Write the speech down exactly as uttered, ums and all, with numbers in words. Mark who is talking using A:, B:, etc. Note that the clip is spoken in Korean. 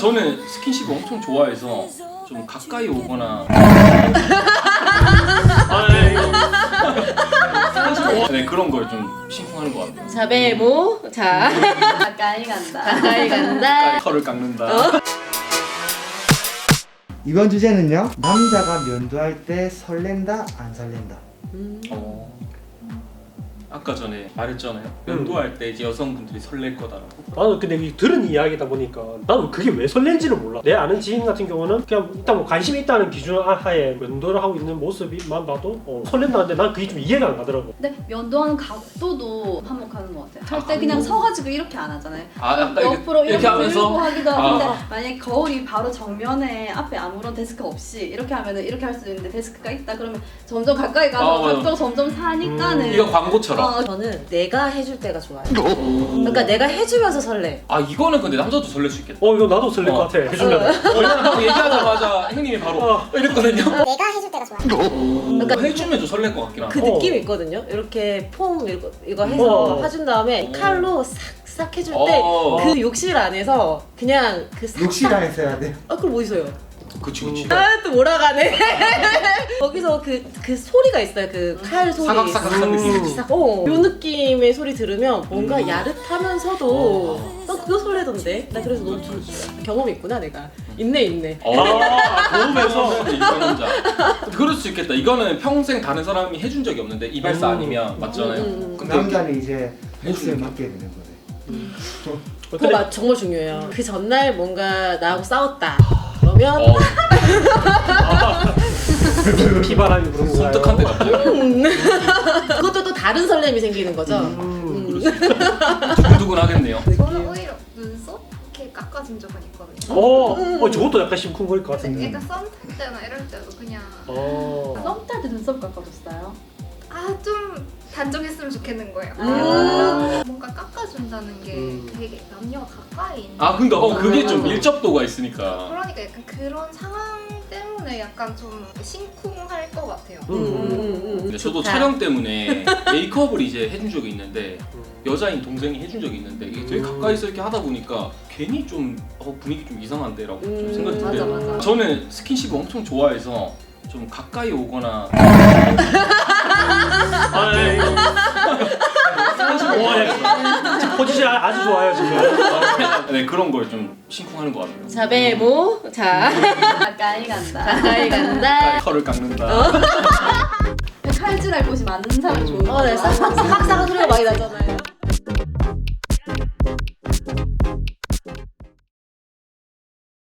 A: 저는 스킨십을 엄청 좋아해서 좀 가까이 오거나
B: 아, 네, 이거.
A: 네, 그런 걸 좀 심쿵하는 것 같아요.
C: 자, 메모. 자,
D: 가까이 간다.
C: 가까이 간다.
A: 털을 깎는다.
C: 어?
E: 이번 주제는요, 남자가 면도할 때 설렌다 안 설렌다.
C: 음.
A: 어. 아까 전에 말했잖아요. 면도할 때 이제 여성분들이 설렐 거다라고.
B: 나는 근데 이 들은 이야기다 보니까 나는 그게 왜 설렌지를 몰라. 내 아는 지인 같은 경우는 그냥 일단 뭐 관심이 있다는 기준 하에 면도를 하고 있는 모습만 봐도 어, 설렌다는데 난 그게 좀 이해가 안 가더라고.
D: 근데 면도하는 각도도 한몫하는 것 같아요. 할 때
A: 아,
D: 그냥
A: 음.
D: 서가지고 이렇게 안 하잖아요.
A: 아, 약간
D: 옆으로
A: 이렇게,
D: 이렇게,
A: 하면서
D: 들고 하기도
A: 아.
D: 하는데 만약에 거울이 바로 정면에 앞에 아무런 데스크 없이 이렇게 하면은 이렇게 할 수도 있는데 데스크가 있다 그러면 점점 가까이 가서
A: 아, 맞아.
D: 각도가 점점 사니까는
A: 이거 광고처럼.
D: 어,
C: 저는 내가 해줄 때가 좋아요. 그러니까 내가 해주면서 설레.
A: 아 이거는 근데 남자도 설렐 수 있겠다.
B: 어 이거 나도 설렐
A: 어.
B: 것 같아. 해주면.
A: 왜냐면 방금 얘기하자마자 형님이 바로
B: 어.
A: 이랬거든요.
F: 내가 해줄 때가 좋아.
C: 그러니까
A: 해주면 좀 설렐 것 같긴 하다.
C: 그
B: 어.
C: 느낌이 있거든요. 이렇게 폼 이거, 이거 해서
B: 어.
C: 해준 다음에
A: 어.
C: 칼로 싹싹 해줄
A: 어.
C: 때 그 욕실 안에서 그냥 그 싹.
E: 욕실 안에서 해야 돼.
C: 아 그럼 어디서요?
A: 그치 그치.
C: 아 또 몰아가네. 거기서 그 그 소리가 있어요. 그 칼 소리.
A: 사각사각한 느낌.
C: 싹. 어. 요 느낌의 소리 들으면 뭔가
A: 음.
C: 야릇하면서도
A: 어.
C: 난 그거 설레던데. 나 그래서 너무 좀 경험이 있구나 내가. 있네 있네.
A: 어.
B: 아, 도움에서.
A: 이상남자. 그럴 수 있겠다. 이거는 평생 다른 사람이 해준 적이 없는데 이발사
B: 음.
A: 아니면 맞잖아요.
C: 음, 음, 음.
A: 근데
E: 남자는 이제 몫을
A: 해주는
E: 맡게 되는 거네.
C: 그거 맞, 정말 중요해요. 그 전날 뭔가 나하고 싸웠다. 그러면
A: 어,
B: 피바람이 부는 거야.
A: 섬뜩한데 갑자기.
C: 그것도 또 다른 설렘이 생기는 거죠.
B: 음.
A: 그럴 수 있겠다. 두근두근 하겠네요.
G: 저는 오히려 눈썹 이렇게 깎아준 적은 있거든요.
B: 어, 어 저것도 약간 심쿵거릴 것 같은데.
G: 약간 썸 탈 때나 이럴 때도 그냥
B: 어.
D: 썸 탈 때 눈썹 깎아줬어요.
G: 아 좀 단정했으면 좋겠는 거예요.
C: 음.
G: 뭔가 깎아준다는 게
B: 음.
G: 되게 남녀가 가까이 있는.
A: 아 그러니까 어, 그게 좀
C: 맞아.
A: 밀접도가 있으니까.
G: 그러니까 약간 그런 상황 때문에 약간 좀 심쿵할 것 같아요.
C: 음, 음, 음,
A: 근데 저도
C: 좋다.
A: 촬영 때문에 메이크업을 이제 해준 적이 있는데
B: 음.
A: 여자인 동생이 해준 적이 있는데 이게 되게
B: 음.
A: 가까이서 이렇게 하다 보니까 괜히 좀 어, 분위기 좀 이상한데라고 좀
C: 음,
A: 생각이
D: 맞아,
A: 드는데
D: 맞아.
A: 저는 스킨십을 엄청 좋아해서 좀 가까이 오거나
B: 아, 네, 이거. 와, 야, 지금 포지션 아주 좋아요 지금.
A: 네 그런 걸 좀 심쿵하는 것 같아요.
C: 자 메모. 자
D: 가까이 간다.
C: 가까이 간다.
A: 털을 깎는다.
C: 어?
D: 칼질할 곳이 많은 사람이 좋은
C: 어, 네,
D: 거야.
C: 싹싹싹 소리가 많이 나잖아요.